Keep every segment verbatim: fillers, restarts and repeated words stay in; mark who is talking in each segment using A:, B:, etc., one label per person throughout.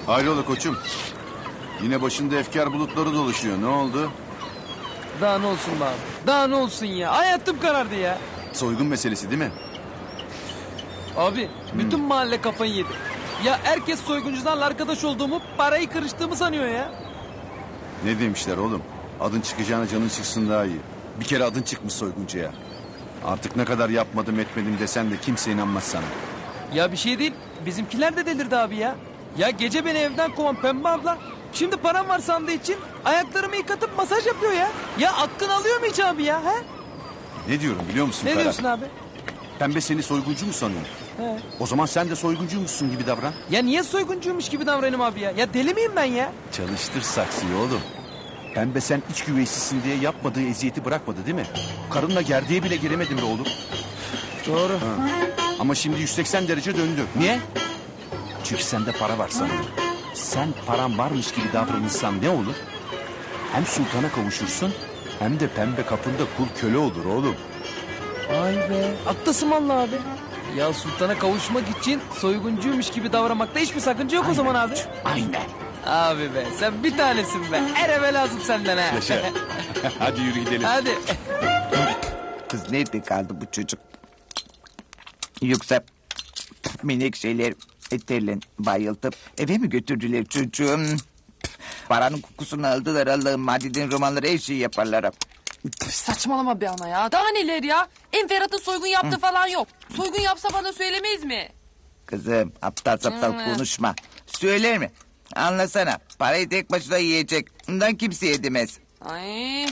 A: Hayrola koçum? Yine başında efkar bulutları dolaşıyor. Ne oldu?
B: Daha ne olsun be abi? Daha ne olsun ya? Hayatım karardı ya.
A: Soygun meselesi değil mi?
B: Abi bütün mahalle kafayı yedi. Ya herkes soyguncularla arkadaş olduğumu, parayı kırıştığımı sanıyor ya.
A: Ne demişler oğlum? Adın çıkacağına canın çıksın daha iyi. Bir kere adın çıkmış soyguncuya. Artık ne kadar yapmadım etmedim desen de kimse inanmaz sana.
B: Ya bir şey değil. Bizimkiler de delirdi abi ya. Ya gece beni evden kovan Pembe abla. Şimdi param var sandığı için ayaklarımı yıkatıp masaj yapıyor ya. Ya aklını alıyor mu hiç abi ya? He?
A: Ne diyorum biliyor musun
B: Ne
A: Ferhat?
B: diyorsun abi?
A: Pembe seni soyguncu mu sanıyor?
B: He.
A: O zaman sen de soyguncuymuşsun gibi davran.
B: Ya niye soyguncuymuş gibi davranayım abi ya? Ya deli miyim ben ya?
A: Çalıştır saksıyı oğlum. Pembe sen iç güveysizsin diye yapmadığı eziyeti bırakmadı değil mi? Karınla gerdeğe bile giremedin be oğlum.
B: Doğru.
A: Ha. Ama şimdi yüz seksen derece döndü. Niye? Çünkü sende para var sanıyor. Sen paran varmış gibi davranırsan ne olur? Hem sultana kavuşursun hem de pembe kapında kul köle olur oğlum.
B: Vay be. Haklısın vallahi abi. Ya sultana kavuşmak için soyguncuymuş gibi davranmakta hiçbir sakınca yok o zaman abi.
A: Aynen.
B: Abi be sen bir tanesin be. Her eve lazım senden ha.
A: Yaşa. Hadi yürü gidelim.
B: Hadi.
C: Kız nerede kaldı bu çocuk? Yoksa menekşeler eterle bayıltıp eve mi götürdüler çocuğum? Paranın kokusunu aldılar Allah'ım. Madiden romanları her şeyi yaparlar.
D: Saçmalama be ana ya. Daha neler ya? En Ferhat'ın soygun yaptığı falan yok. Soygun yapsa bana söylemeyiz mi?
C: Kızım aptal saptal
D: Hmm.
C: konuşma. Söyler mi? Anlasana. Parayı tek başına yiyecek. Bundan kimse yedemez.
D: Ay.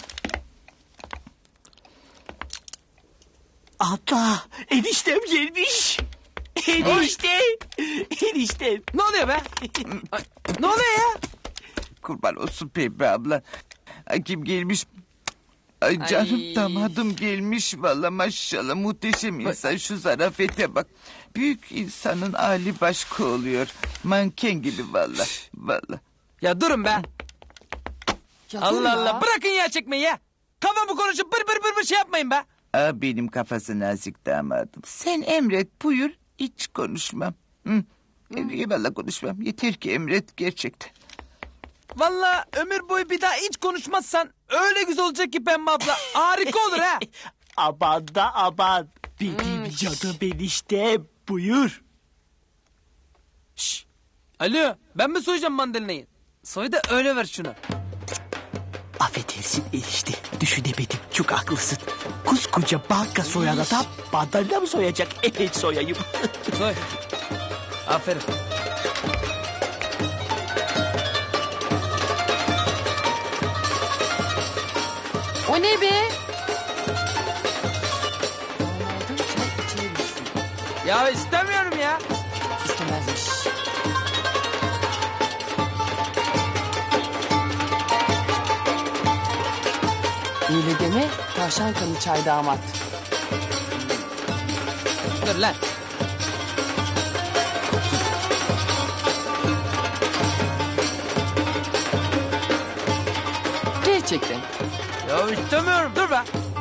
E: Abla eniştem gelmiş. Enişte. Eniştem.
B: Ne oluyor be? Ay, ne oluyor ya?
C: Kurban olsun Pembe abla. Ay, kim gelmiş? Ay canım
D: Ay.
C: damadım gelmiş. Valla maşallah muhteşem insan. Şu zarafete bak. Büyük insanın hali başka oluyor. Manken gibi valla. Valla.
B: Ya durun be.
D: Ya dur
B: Allah
D: ya.
B: Allah bırakın ya çekmeyi ya. Kafamı konuşup bır bır bır bır şey yapmayın be.
C: Aa, benim kafası nazik damadım. Sen emret buyur hiç konuşmam. Hı. Eyvallah konuşmam. Yeter ki emret gerçekten.
B: Vallahi ömür boyu bir daha hiç konuşmazsan öyle güzel olacak ki Pembe abla. Harika olur ha.
E: Aman da aman. Benim canım eniştem. Buyur.
B: Şş. Alo ben mi soyacağım mandalinayı? Soy da öyle ver şunu.
E: Affedersin enişte. Düşünemedim. Çok haklısın. Koskoca banka soyan adam mandalina mı soyacak? Evet soyayım.
B: Soy. Aferin.
D: O ne be?
B: Ya istemiyorum ya.
D: İstemezmiş. Öyle deme. Tavşan kanı çay damat.
B: Dur lan.
D: Gerçekten.
B: Ya istemiyorum dur be.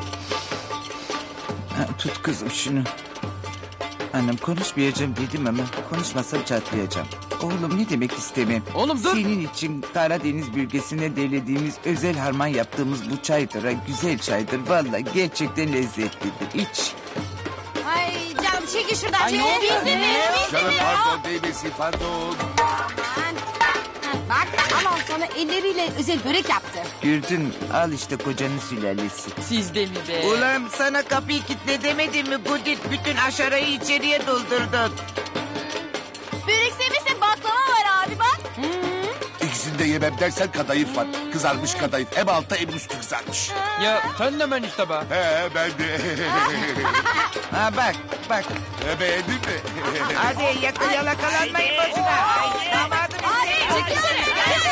C: Ha, tut kızım şunu. Annem konuşmayacağım dedim ama konuşmasam çatlayacağım. Oğlum ne demek istemem.
B: Oğlum dur.
C: Senin için Karadeniz bölgesine delediğimiz özel harman yaptığımız bu çaydır. Ha, güzel çaydır. Vallahi gerçekten lezzetlidir. İç.
F: Ay canım çekil şuradan.
D: Ay, ne oluyor
F: Biz de
D: be?
F: ver, biz de
A: Canım
F: ver.
A: pardon değmesi pardon.
F: Aman. Bak aman sana elleriyle özel börek yaptı.
C: Gördün mü? Al işte kocanın sülalesi.
D: Siz de mi be?
C: Ulan sana kapıyı kilitle demedim mi Gudit? Bütün aşarayı içeriye doldurdun.
F: Börek sevmesin baklava var abi bak.
A: İkisini de yemem dersen kadayıf var. Kızarmış kadayıf. Hem altta hem üstü kızarmış.
B: Ya sen de ben işte be.
A: He ben de.
C: Ha bak bak.
A: He, beğendin mi?
C: Hadi yakın yalakalanmayın boşuna. Ay, damadım
F: Abi çekilsene. Gel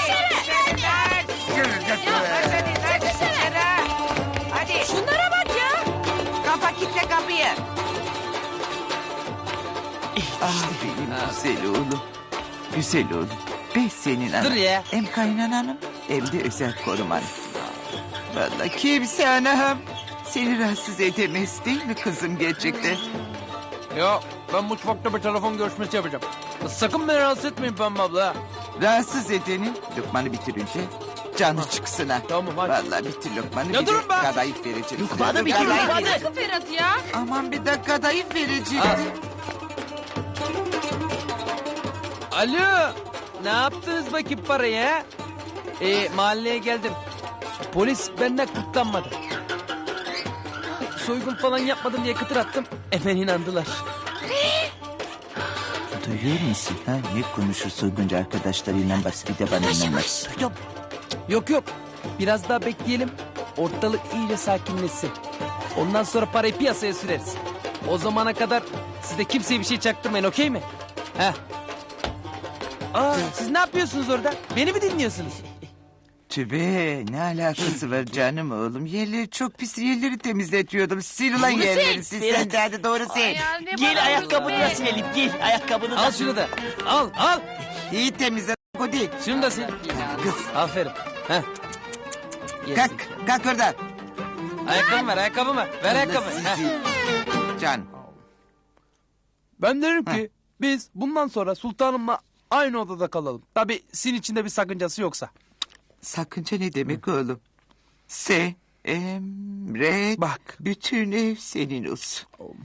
F: dışarı.
C: Hadi.
F: Şunlara bak ya.
C: Kafa kitle kapıyı. Ah benim güzel oğlum. Güzel oğlum. Ben senin anan.
B: Dur ya.
C: Hem kaynananım hem de özel koruman. Vallahi kimse anam seni rahatsız edemez değil mi kızım gerçekten?
B: Ya ben mutfakta bir telefon görüşmesi yapacağım. Sakın beni rahatsız etmeyin Pembe abla. Ha.
C: Rahatsız edenin lokmanı bitirince canı çıksın ha.
B: Tamam, hadi.
C: Vallahi bitir lokmanı.
B: Ya
C: bir
B: durun
C: de
B: be.
C: kadayıf vereceğim.
E: Lokmanı
C: size.
E: bitir,
C: Kadayıf
E: lokmanı.
C: vereceğim.
D: Bırakın Ferhat ya.
C: Aman bir de kadayıf vereceğim.
B: Al. Alo. Ne yaptınız bakayım parayı ha? Ee, mahalleye geldim. Polis benden kurtlanmadı. Soygun falan yapmadım diye kıtır attım. Hemen inandılar.
C: Duyuyor musun? Ha? Ne konuşur soyguncu arkadaşlarıyla bak bir de bana inanmaz.
E: Duydum.
B: Yok yok. Biraz daha bekleyelim. Ortalık iyice sakinleşsin. Ondan sonra parayı piyasaya süreriz. O zamana kadar siz de kimseye bir şey çaktırmayın, okey mi? Heh. Aa, siz ne yapıyorsunuz orada? Beni mi dinliyorsunuz?
C: Tübe ne alakası var canım oğlum? Yerleri çok pis, yerleri temizletiyordum. Sil ulan yerleri, sil sen de hadi doğru sil.
D: Ya ne
E: Gel
D: bana
E: ayakkabını
D: vurdun
E: da
D: be?
E: silelim. Gel ayakkabını da
B: Al şunu da. Al al.
C: İyi temizle o değil.
B: Şunu da sil.
C: Kız
B: Aferin. Heh.
C: kalk, kalk oradan.
B: Ayakkabımı ver, ayakkabımı ver. Ver ayakkabımı.
C: Allah
B: Heh.
C: sizi. Can.
B: Ben derim ki biz bundan sonra sultanımla aynı odada kalalım. Tabii sizin içinde bir sakıncası yoksa.
C: Sakınca ne demek oğlum? Se, emret.
B: Bak.
C: Bütün ev senin olsun.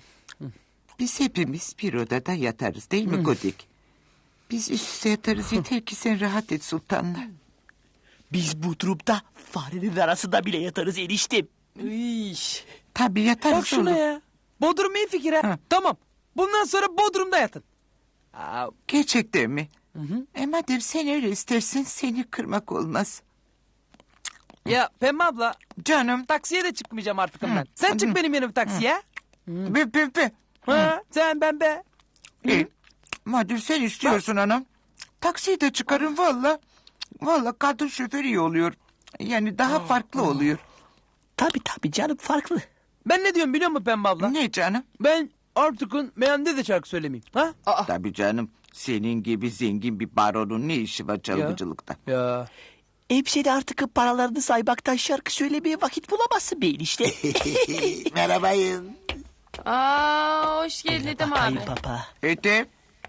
C: Biz hepimiz bir odada yatarız değil mi Kodik? Biz üst üste yatarız yeter ki sen rahat et sultanla.
E: Biz bu trupta farenin arasında bile yatarız eniştem.
B: İş.
C: Tabii yatarız
B: Bak şuna
C: oğlum.
B: ya. Bodrum iyi fikir ha.
C: Hı.
B: Tamam. Bundan sonra Bodrum'da yatın. Aa,
C: Gerçekten mi? E madem sen öyle istersen seni kırmak olmaz.
B: ya Pembe abla
C: Canım.
B: taksiye de çıkmayacağım artık ben. Sen çık benim yanıma taksiye.
C: Be, be, be.
B: Ha, sen ben be.
C: E, madem sen istiyorsun anam. Taksiyi de çıkarın valla. Valla kadın şoför iyi oluyor. Yani daha farklı oluyor.
E: Tabii tabii canım farklı.
B: Ben ne diyorum biliyor musun Pembe abla?
C: Ne canım?
B: Ben artıkın meyhanede de şarkı söylemeyeyim. Ha?
C: Tabii canım. Senin gibi zengin bir baronun ne işi var çalgıcılıkta?
B: Ya.
E: Hepsi de artık paralarını saymaktan şarkı söylemeye vakit bulamazsın be enişte.
G: Merhabayın.
D: Aa, hoş geldin Ethem abi.
E: Ay baba.
C: Ete.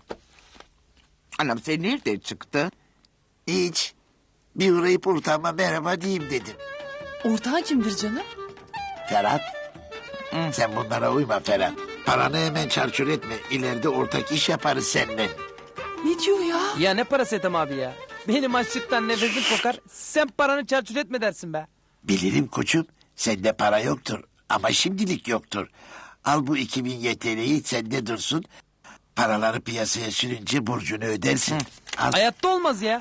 C: Anam sen nereden çıktın?
G: Hiç. Bir uğrayıp ortağıma merhaba diyeyim dedim.
D: Ortağın kimdir canım?
G: Ferhat. Sen bunlara uyma Ferhat. Paranı hemen çarçur etme. İleride ortak iş yaparız seninle.
D: Ne diyor ya?
B: Ya ne parası Ethem abi ya? Benim açlıktan nefesim kokar. Sen paranı çarçur etme dersin be.
G: Bilirim koçum. Sende para yoktur. Ama şimdilik yoktur. Al bu iki bin Y T L'yi sende dursun. Paraları piyasaya sürünce borcunu ödersin. Al,
B: Hayatta olmaz ya.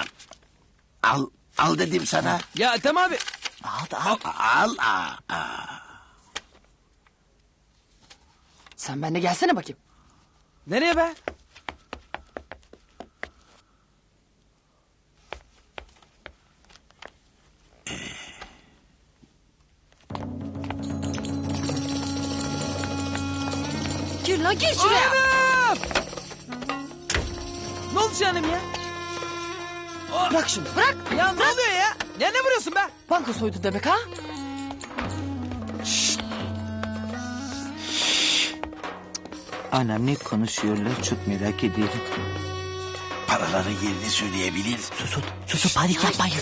G: al, al dedim sana.
B: Ya Ethem abi.
E: Al da al.
G: Al, al, al.
D: Sen benimle gelsene bakayım.
B: Nereye be?
D: Gir lan gir şuraya.
B: Anam! Ne oldu canım ya?
D: Bırak şunu bırak.
B: Ya ne oluyor ya? Ya ne vuruyorsun be?
D: Banka soydu demek ha?
C: Anam ne konuşuyorlar çok merak ediyorum.
G: Paraların yerini söyleyebilir.
E: Susun susun panik yapmayın.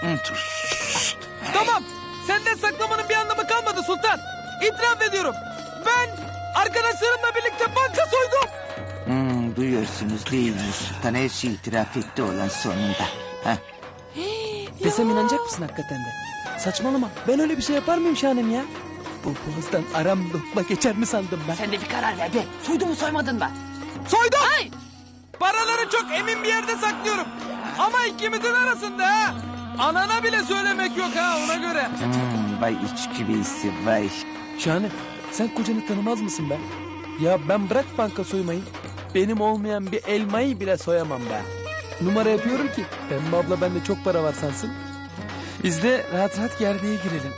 B: Tamam. Senden saklamanın bir anlamı kalmadı Sultan. İtiraf ediyorum. Ben arkadaşlarımla birlikte banka soydum.
C: Hmm, duyuyorsunuz değil mi? Sultan her şeyi itiraf etti olan sonunda. Heh.
B: Desem inanacak mısın hakikaten de? Saçmalama. Ben öyle bir şey yapar mıyım Şahanem ya? Bu boğazdan aram lokma geçer mi sandım ben?
D: Sen de bir karar ver be. Soydu mu soymadın mı?
B: Soydum.
D: Ay!
B: Paraları çok emin bir yerde saklıyorum. Ama ikimizin arasında ha. Anana bile söylemek yok ha ona göre.
C: Hmm, vay iç güveysi vay.
B: Şahane sen kocanı tanımaz mısın be? Ya ben bırak banka soymayı. Benim olmayan bir elmayı bile soyamam ben. Numara yapıyorum ki Pembe abla bende çok para var sansın. Biz de rahat rahat gerdeğe girelim.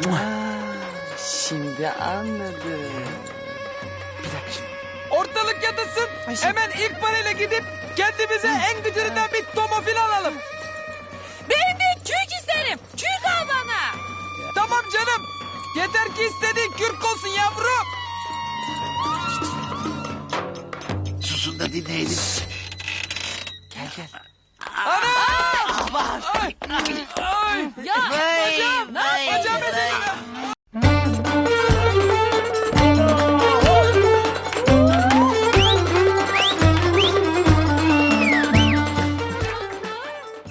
D: Şimdi anladım.
B: Bir dakika şimdi. Ortalık yatışsın.
D: Ay şimdi-
B: Hemen ilk parayla gidip kendimize en gıcırından bir tomofil alalım.
D: Ben de kürk isterim. Kürk al bana.
B: Tamam canım. Yeter ki istediğin kürk olsun yavrum.
G: Susun da dinleyelim.
D: Gel gel. Ya
C: Vay